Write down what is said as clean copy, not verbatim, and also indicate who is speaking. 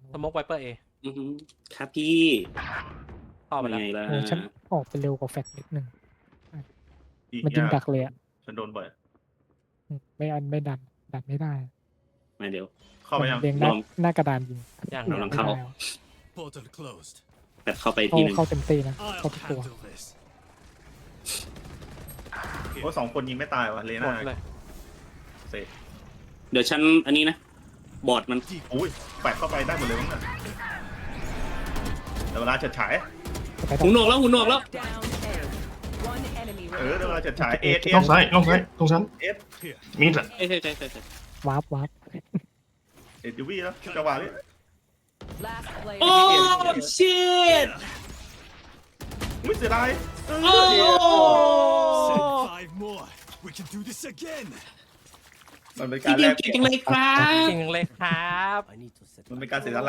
Speaker 1: สโมกไวเปอร์เอ
Speaker 2: ครับพี่
Speaker 1: เข้าไปแล้ว
Speaker 2: ไงล่ะ
Speaker 3: โอ้ฉันออกไปเร็วกว่าแฟกนิดนึง
Speaker 4: อีก
Speaker 3: มันยิง
Speaker 4: ยาก
Speaker 3: ดักเลยอ่ะ
Speaker 4: ฉันโดนบ่อย
Speaker 3: ไม่ดันไม่ได้
Speaker 2: มาเดี๋ยว
Speaker 4: เข้าไปยัง
Speaker 3: เรียง
Speaker 2: ลอง
Speaker 3: หน้ากระดานยิง
Speaker 1: อย่าง
Speaker 2: เราลองเข้า
Speaker 3: ไม่ได้
Speaker 5: Portal closed.
Speaker 2: แต่เข้าไปทีหนึง
Speaker 3: เข้าเต็มตีนะ เข้า
Speaker 5: I'll
Speaker 3: ทุกตัว
Speaker 5: handle this.
Speaker 4: โอ้สองคนยิงไม่ตายวะเล
Speaker 1: หม
Speaker 4: น่า
Speaker 1: ดเลย
Speaker 4: เสร็จ
Speaker 2: เดี๋ยวฉันอันนี้นะ บอร์ดมัน
Speaker 4: อุ้ยแปะเข้าไปได้หมดเลยมั้งน่ะแต่เวลาเฉิดฉาย
Speaker 3: ไปต่
Speaker 2: หู
Speaker 3: อ
Speaker 2: หนวกแล้วหูหนวกแล้ว
Speaker 6: Down A. One enemy
Speaker 4: เดี๋ยวเวลาเฉิดฉายเอส
Speaker 7: ล่องซ้ายล่องซ้ายตรงฉัน
Speaker 5: Here.
Speaker 7: มีดอะ
Speaker 2: ใช่ใช่ใช่ใช่
Speaker 3: วาร์ป
Speaker 4: เอสยูวีแล้วจังหวะนี้
Speaker 6: Last player.
Speaker 2: โอ้ชิต
Speaker 4: อุ้ยเสียดาย
Speaker 2: โอ้
Speaker 5: Send 5 more. We can do this again.
Speaker 4: มันเป็น
Speaker 2: พี่
Speaker 4: การ
Speaker 2: เดี
Speaker 4: แล
Speaker 2: ยว
Speaker 4: ก
Speaker 2: เก่งจังเลยครับ
Speaker 1: จริงเลยครับ
Speaker 4: มันเป็นการเสียสละ